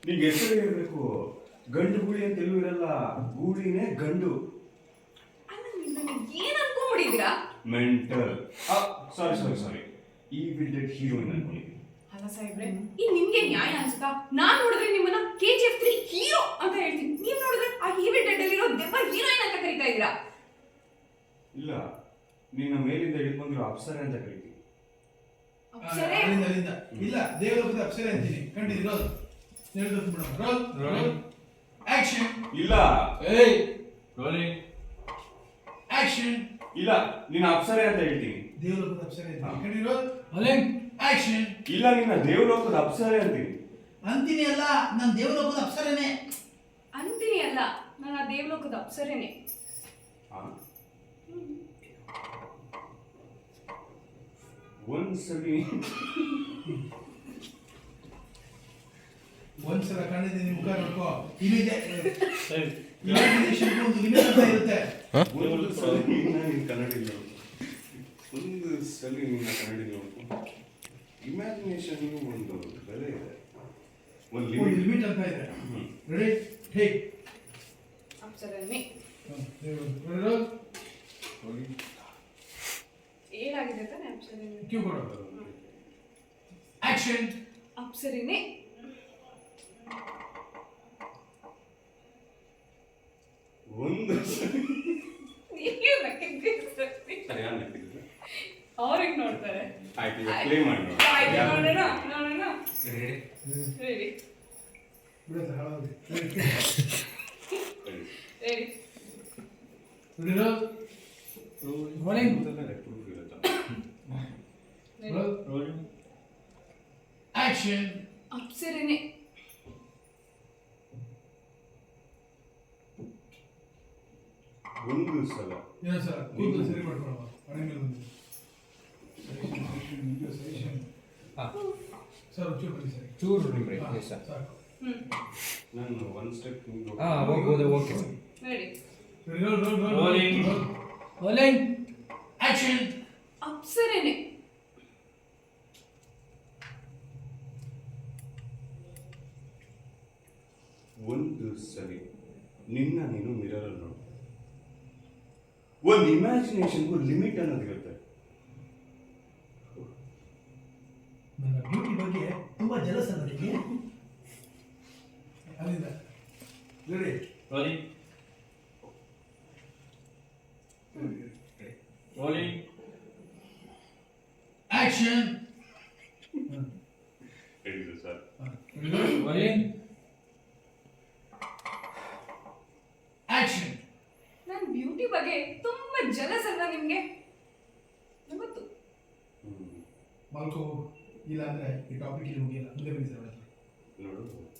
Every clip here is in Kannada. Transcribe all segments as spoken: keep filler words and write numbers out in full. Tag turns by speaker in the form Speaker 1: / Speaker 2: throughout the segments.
Speaker 1: ನಿಂಗೆ ಹೆಸರು ಇರಬೇಕು. ಗಂಡು ಗೂಳಿ ಅಂತ ಎಲ್ಲೂ ಇರಲ್ಲ, ಗೂಳಿನೇ ಗಂಡು.
Speaker 2: ಏನ್ ಅನ್ಕೊಂಡ್ಬಿಟ್ಟಿದ್ದೀರಾ?
Speaker 1: ಮೆಂಟಲ್. ಸಾರಿ ಸಾರಿ ಸಾರಿ ಈ ಬಿಲ್ಡೆಡ್ ಹೀರೋಯಿನ್ ಅನ್ಕೊಂಡಿದ್ದೀನಿ.
Speaker 2: ಅಲ್ಲ ಸಾಹೇಬ್ರೆ, ಈ ನಿಮ್ಗೆ ನ್ಯಾಯ ಅನ್ಸುತ್ತಾ? ನಾನ್ ನೋಡಿದ್ರೆ ನಿಮ್ಮನ್ನ K G F three hero ಅಂತ ಹೇಳ್ತೀನಿ, ನೀವ್ ನೋಡಿದ್ರೆ ಆ ಹೀವಿ ಡೆಡ್ ಅಲ್ಲಿರೋ ದೆವ್ವ ಹೀರೋಯಿನ್ ಅಂತ ಕರೀತಾ ಇದ್ದೀರಾ.
Speaker 1: ಇಲ್ಲ, ನಿನ್ನ ಮೇಲಿಂದ ಹಿಡಿದು ಬಂದಿರೋ ಅಪ್ಸರೆ ಅಂತ ಕರಿತೀನಿ.
Speaker 2: ಅಪ್ಸರೆ?
Speaker 3: ಅಲ್ಲಿಂದ ಅಲ್ಲಿಂದ ಇಲ್ಲ, ದೇವಲೋಕದ ಅಪ್ಸರೆ ಅಂತೀನಿ. ಕಂಡಿದ್ದೀ ರೋಲ್ ಹೇಳ್ಬೇಕು ಮೇಡಮ್. Roll roll action.
Speaker 1: ಇಲ್ಲ
Speaker 4: ಏಯ್ ರೋಲಿಂಗ್
Speaker 3: ಆಕ್ಷನ್.
Speaker 1: ಇಲ್ಲ, ನಿನ್ನ ಅಪ್ಸರೆ ಅಂತ ಹೇಳ್ತೀನಿ.
Speaker 3: ದೇವಲೋಕದ ಅಪ್ಸರೆ ಅಂತೀನಿ. ಕಂಡಿ ರೋಲ್
Speaker 4: ರೋಲಿಂಗ್
Speaker 3: ಆಕ್ಷನ್.
Speaker 1: ಇಲ್ಲ, ನಿನ್ನ ದೇವಲೋಕದ ಅಪ್ಸರೆ ಅಂತೀನಿ.
Speaker 3: ಅಂತೀನಿ ಅಲ್ಲ, ನಾನು ದೇವಲೋಕದ ಅಪ್ಸರೆನೇ
Speaker 2: ಅಂತೀನಿ ಅಲ್ಲ, ನಾನು ಆ ದೇವಲೋಕದ ಅಪ್ಸರೇನೆ.
Speaker 1: ಒಂದ್ಸಲಿ
Speaker 3: ಒಂದ್ಸಲ ಕಂಡಿದ್ದೀನಿ, ಮುಖ ನೋಡ್ಕೋ. ಇಲ್ಲಿದೆ ಇಮ್ಯಾಜಿನೇಷನ್ ಒಂದು ಲಿಮಿಟ್ ಅಂತ ಇರುತ್ತೆ.
Speaker 1: ಒಂದು ಸಲ ನಿನ್ನ ಕನ್ನಡ ಒಂದು ಸಲ ನಿನ್ನ ಕನ್ನಡ ನೋಡ್ಕೊ. ಇಮ್ಯಾಜಿನೇಷನ್ ಒಂದು ಬೆಲೆ ಇದೆ, ಒಂದು
Speaker 3: ಒಂದು
Speaker 1: ಲಿಮಿಟ್.
Speaker 3: ಲಿಮಿಟ್ ಅಂತ ಇದೆ. Ready take.
Speaker 2: ಅಪ್ಸರೇನೆ.
Speaker 3: ರೋಲ್
Speaker 2: ಏನಾಗಿದೆ ತಾನೆ ಅಪ್ಸರೇನೆ.
Speaker 3: ಕ್ಯೂ ಕೊಡು. ಆಕ್ಷನ್.
Speaker 2: ಅಪ್ಸರೇನೆ.
Speaker 1: ಒಂದು ಸರಿ
Speaker 2: ಅವ್ರಿಗೆ ನೋಡ್ತಾರೆ.
Speaker 1: ಆಯ್ತು, ಈಗ ಪ್ಲೇ ಮಾಡಿ ನೋಡಿ.
Speaker 2: ಆಯ್ತು, ನೋಡೋಣ ನೋಡೋಣ. ರೆಡಿ
Speaker 3: ಬಿಡೋದು ಹಾಳಾಗಿ.
Speaker 2: Ready.
Speaker 3: Ready roll. Rolling. Roll
Speaker 4: rolling
Speaker 3: action.
Speaker 2: ಅಪ್ಸರೇನೆ.
Speaker 1: ಒಂದು ಸಲ
Speaker 3: ಏನೋ ಸರ್ ಕೂದಲು ಸರಿ ಮಾಡ್ಕೊಳ್ಳೋ. ಮನೆ ಮೇಲೆ ಬಂದು ಸಜೆಷನ್.
Speaker 4: ಹಾಂ
Speaker 3: ಸರ್ ಚೂರು ಬನ್ನಿ ಸರ್.
Speaker 4: ಚೂರು ನಿಮ್ರೆ ಎಸ್ ಸರ್.
Speaker 3: ಸಾಕು.
Speaker 2: ಹ್ಮ್
Speaker 1: ನಾನು ಒನ್ ಸ್ಟೆಪ್
Speaker 4: ಹಾಂ ಹೋಗ್ಬೋದು. Okay sir.
Speaker 2: Ready.
Speaker 3: Roll roll roll
Speaker 4: rolling rolling
Speaker 3: action.
Speaker 2: ಅಪ್ಸರೇನೆ.
Speaker 1: ಒಂದು ಸರಿ ನಿನ್ನ ನೀನು ಮಿರರ್ ನೋಡು. ಒಂದು ಇಮ್ಯಾಜಿನೇಷನ್ಗೂ ಲಿಮಿಟ್ ಅನ್ನೋದಿರುತ್ತೆ.
Speaker 3: ನನ್ನ ಬ್ಯೂಟಿ ಬಗ್ಗೆ ತುಂಬಾ ಜಲಸ್ ಅನ್ನೋದಕ್ಕೆ. ಅಲ್ಲಿಂದ ರೆಡಿ.
Speaker 4: Rolling rolling
Speaker 3: action.
Speaker 1: ಹೇಳಿದ್ರು ಸರ್.
Speaker 4: Rolling
Speaker 3: action.
Speaker 2: ನನ್ನ ಬ್ಯೂಟಿ ಬಗ್ಗೆ ತುಂಬಾ ಜಲಸ್ ಅಲ್ಲ ನಿಮ್ಗೆ? ಗೊತ್ತು.
Speaker 3: ಮಲ್ಕೋ, ಇಲ್ಲ ಅಂದ್ರೆ ಈ ಟಾಪಿಕ್ ಇಲ್ಲಿ ಮುಗಿಯಲ್ಲ. ಮುಂದೆ ಬನ್ನಿ ಸರ್.
Speaker 1: ನೋಡು,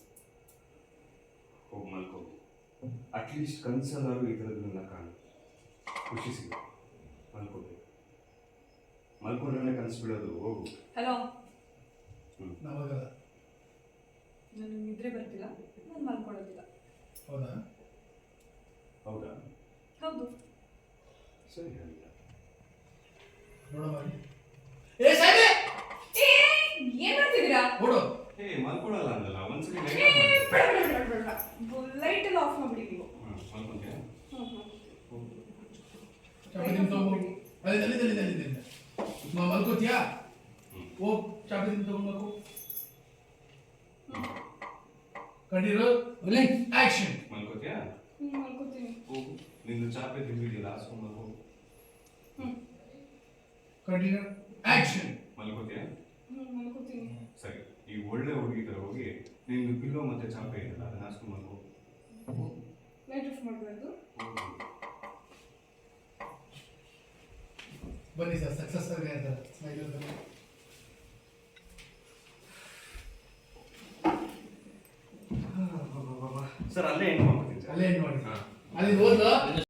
Speaker 1: ಹೋಗಿ ಮಲ್ಕೋ. ಅಟ್ಲೀಸ್ಟ್ ಕನ್ಸಲ್ಲಾರು ಇದರದನ್ನ ಕಾಣು, ಖುಷಿ ಸಿಗುತ್ತೆ. ಮಲ್ಕೋಬೇಕು. ಮಲ್ಕೊಂಡ್ರೆ ಕನಸು ಬಿಡೋದು. ಹೋಗು.
Speaker 2: ಹಲೋ,
Speaker 3: ನಮಗಲ್ಲ.
Speaker 2: ನನಗೆ ನಿದ್ರೆ ಬರ್ತಿಲ್ಲ, ನಾನು ಮಲ್ಕೊಳ್ಳೋದಿಲ್ಲ.
Speaker 3: ಹೌದಾ?
Speaker 1: ಹೌದಾ?
Speaker 2: ಹೌದು.
Speaker 1: ಸರಿ, ಹೇಳಿಲ್ಲ.
Speaker 3: ನೋಡಮ್ಮ. ಏ ಸಾಯ್ಬೆ,
Speaker 2: ಏ ಏನ್ ಮಾಡ್ತಿದ್ದೀರಾ?
Speaker 3: ಓಡು.
Speaker 1: ಏ ಮಲ್ಕೊಳ್ಳಲ್ಲ ಅಂದಲ್ಲ, ಒಂದ್ಸರಿ
Speaker 2: ಏ ಬೇಡ ಬೇಡ ಬೇಡ ಬೇಡ, ಲೈಟ್ ಎಲ್ಲ ಆಫ್ ಮಾಡ್ಬಿಡಿ ನೀವು.
Speaker 1: ಮಲ್ಕೊಂತೀಯ?
Speaker 2: ಹ್ಮ್ ಹ್ಮ್.
Speaker 3: ಚಾಪೆ ತಿಂದು ತಗೊಂಡು ಅಲ್ಲಿಂದ ಅಲ್ಲಿಂದ ಅಲ್ಲಿಂದ ಅಲ್ಲಿಂದ ಮ- ಮಲ್ಕೋತೀಯಾ? ಹೋಗ್ ಚಾಪೆ ತಿಂದು ತಗೊಂಡು ಮಲ್ಕೋ. ಕಂಡಿರೋ ರೋಲಿಂಗ್ ಆಕ್ಷನ್.
Speaker 1: ಮಲ್ಕೋತೀಯ?
Speaker 2: ಹ್ಮ್, ಮಲ್ಕೊತೀನಿ.
Speaker 1: ಹೋಗು. ನಿಂದು ಚಾಪೆ ತಿಂದಿದೆಯಲ್ಲ, ಹಾಸ್ಕೊಂಡು ಮಲ್ಕೋ.
Speaker 2: ಹ್ಮ್
Speaker 3: ಕಂಟಿನ್ಯೂ ಆಕ್ಷನ್.
Speaker 1: ಮಲ್ಕೋತೀಯ?
Speaker 2: ಹ್ಮ್, ಮಲ್ಕೊತೀನಿ.
Speaker 1: ಸರಿ, ಈ ಒಳ್ಳೆ ಹುಡುಗಿ ತರ ಹೋಗಿ ನಿಂದು ಪಿಲ್ಲೋ ಮತ್ತೆ ಚಾಪೆ ಇದೆಯಲ್ಲ, ಅದನ್ನ ಹಾಸ್ಕೊಂಡು ಮಲ್ಕೋ.
Speaker 2: ಲೈಟ್ ಆಫ್ ಮಾಡಬಾರ್ದು.
Speaker 3: ಬನ್ನಿ ಸರ್, ಸಕ್ಸಸ್ ಆಗಿ ಅಂತಾರೆ ಸ್ಮೈಲ್ ಅಂತ.
Speaker 1: ಸರ್ ಅಲ್ಲೇ ಹೆಂಗ್ ಮಾಡ್ತೀನಿ ಸರ್?
Speaker 3: ಅಲ್ಲೇ ಏನು ಮಾಡಿ
Speaker 1: ಹಾಂ.
Speaker 3: ಅಲ್ಲಿ ಹೋದ